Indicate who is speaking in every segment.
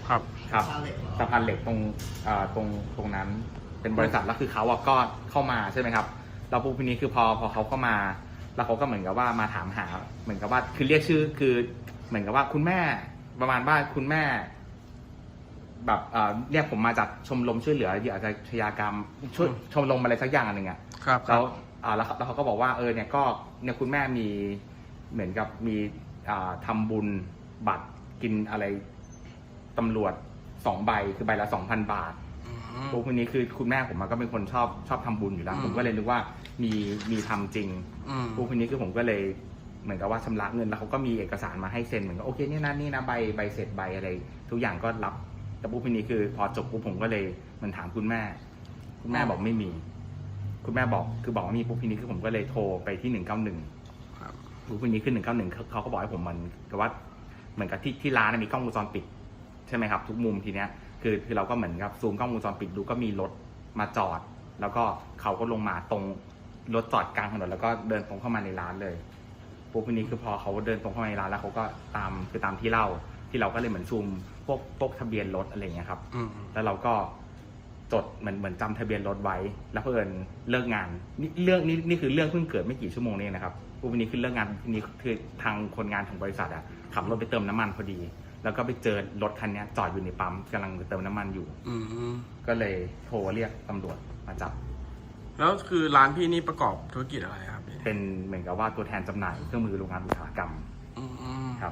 Speaker 1: ครับ
Speaker 2: ครับสะพานเหล็กตรงตรงนั้นเป็นบริษัทแล้วคือเขาก็เข้ามาใช่ไหมครับเราปุ๊บทีนี้คือพอเขาเข้ามาแล้วเขาก็เหมือนกับว่ามาถามหาเหมือนกับว่าคือเรียกชื่อคือเหมือนกับว่าคุณแม่ประมาณว่าคุณแม่แบบเรียกผมมาจากชมรมช่วยเหลือเหยื่ออาชญากรรมช่วยชมรมอะไรสักอย่างหนึ่งอ่ะ
Speaker 1: ครับ
Speaker 2: แล้วเขาก็บอกว่าเนี่ยก็เนี่ยคุณแม่มีเหมือนกับมีทำบุญบัตรกินอะไรตำรวจ2 ใบคือใบละ 2,000 บาทพวกนี้คือคุณแม่ผมก็เป็นคนชอบทำบุญอยู่แล้วผมก็เลยนึกว่ามีทำจริงพวกนี้คือผมก็เลยเหมือนกับว่าชำระเงินแล้วเขาก็มีเอกสารมาให้เซ็นเหมือนกับโอเคนี่นะใบเสร็จใบอะไรทุกอย่างก็รับแต่พวกนี้คือพอจบปุ๊บผมก็เลยมันถามคุณแม่บอกไม่มีคุณแม่บอกว่ามีปุ๊บทีนี้คือผมก็เลยโทรไปที่191ปุ๊บทีนี้ขึ้น191เขาก็บอกให้ผมมันแต่ว่าเหมือนกับที่ร้านมีกล้องวงจรปิดใช่ไหมครับทุกมุมทีเนี้ยคือเราก็เหมือนกับซูมกล้องวงจรปิดดูก็มีรถมาจอดแล้วก็เขาก็ลงมาตรงรถจอดกลางถนนแล้วก็เดินตรงเข้ามาในร้านเลยปุ๊บทีนี้คือพอเขาเดินตรงเข้ามาในร้านแล้วเขาก็ตามที่เล่าที่เราก็เลยเหมือนซูมพวกทะเบียนรถอะไรอย่างเงี้ยครับแล้วเราก็จดเหมือนจำทะเบียนรถไว้แล้วเพิ่นเลิกงานนี่คือเรื่องเพิ่งเกิดไม่กี่ชั่วโมงนี้นะครับปุ๊บทีนี้คือเลิกงานทีนี้คือทางคนงานของบริษัทขับรถไปเติมน้ำมันพอดีแล้วก็ไปเจอรถคันนี้จอดอยู่ในปั๊มกำลังเติมน้ำมันอยู่ก็เลยโทรเรียกตำรวจมาจับ
Speaker 1: แล้วคือร้านพี่นี่ประกอบธุรกิจอะไรครับพี่
Speaker 2: เป็นเหมือนกับว่าตัวแทนจำหน่ายเครื่องมือโรงงานอุตสาหกรรมครับ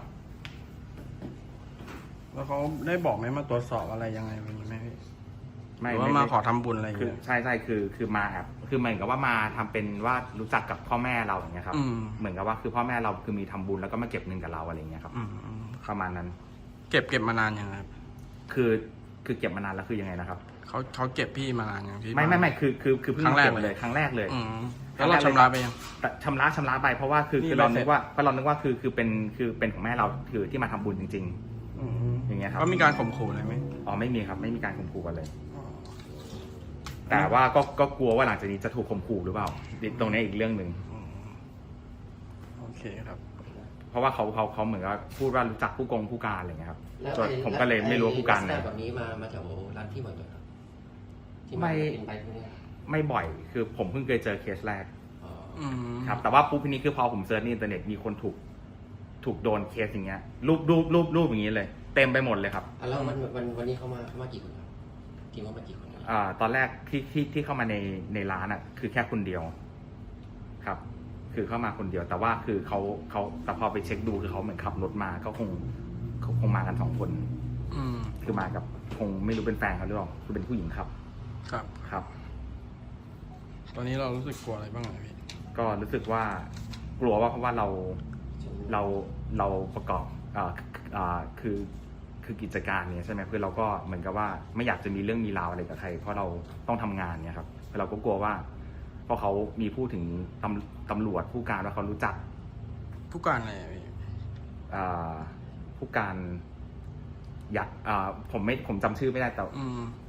Speaker 1: แล้วเขาได้บอกไหมมาตรวจสอบอะไรยังไงแบบนี้ไหมพี่
Speaker 2: ไม่
Speaker 1: ว่ามาขอทำบุญอะไรอย่างเงี้ย
Speaker 2: ใช่คือมาคือเหมือนกับว่ามาทำเป็นว่ารู้จักกับพ่อแม่เราอย่างเงี้ยครับเหมือนกับว่าคือพ่อแม่เราคือมีทำบุญแล้วก็มาเก็บเงินกับเราอะไรอย่างเงี้ยครับประมาณนั้น
Speaker 1: เก็บมานานยังครับ
Speaker 2: คือเก็บมานานแล้วคือยังไงนะครับ
Speaker 1: เขาเก็บพี่มานานยังพี่
Speaker 2: ไม่คือเพิ่งเก็บเลยครั้งแรกเลย
Speaker 1: แล้วเราชำระไปยัง
Speaker 2: ชำระไปเพราะว่าคือเรานึกว่าคือเป็นของแม่เราคือที่มาทำบุญจริงๆอย่างเงี้ยครับ
Speaker 1: ก็มีการข่มขู่อะไรไหม
Speaker 2: ไม่มีครับไม่มีการข่มขู่กันเลยแต่ว่าก็กลัวว่าหลังจากนี้จะถูกข่มขู่หรือเปล่าตรงนี้อีกเรื่องหนึ่ง
Speaker 1: โอเคครับ
Speaker 2: เพราะว่าเขาเหมือนกับพูดว่ารู้จักผู้การอะไรเงี้ยครับผมก็เลยไม่รู้ผู้การ
Speaker 3: นะแบบนี้มาแถวร้านที่บ่อยๆครับที่
Speaker 2: ไม่บ่อยคือผมเพิ่งเคยเจอเคสแรกครับแต่ว่าปุ๊บทีนี้คือพอผมเซิร์ชในอินเทอร์เน็ตมีคนถูกโดนเคสอย่างเงี้ยรูปอย่างนี้เลยเต็มไปหมดเลยครับ
Speaker 3: แล้ววันนี้เขามากี่คนครับทีมเขามากี่คน
Speaker 2: ตอนแรกที่เข้ามาในร้านคือแค่คนเดียวครับคือเข้ามาคนเดียวแต่ว่าคือเขาแต่พอไปเช็คดูคือเขาเหมือนขับรถมาก็คงมากัน2 คนคือมากับคงไม่รู้เป็นแฟนเขาหรือเปล่าคือเป็นผู้หญิงครับครับ
Speaker 1: ตอนนี้เรารู้สึกกลัวอะไรบ้างไหมพี่
Speaker 2: ก็รู้สึกว่ากลัวว่าเพราะว่าเราประกอบคือกิจการเนี่ยใช่ไหมคือเราก็เหมือนกับว่าไม่อยากจะมีเรื่องมีราวอะไรกับใครเพราะเราต้องทำงานเนี่ยครับเราก็กลัวว่าเพราะเขามีพูดถึงตำรวจผู้การว่าเขารู้จัก
Speaker 1: ผู้การอะไรพี่
Speaker 2: ผู้การอยากผมจำชื่อไม่ได้แต่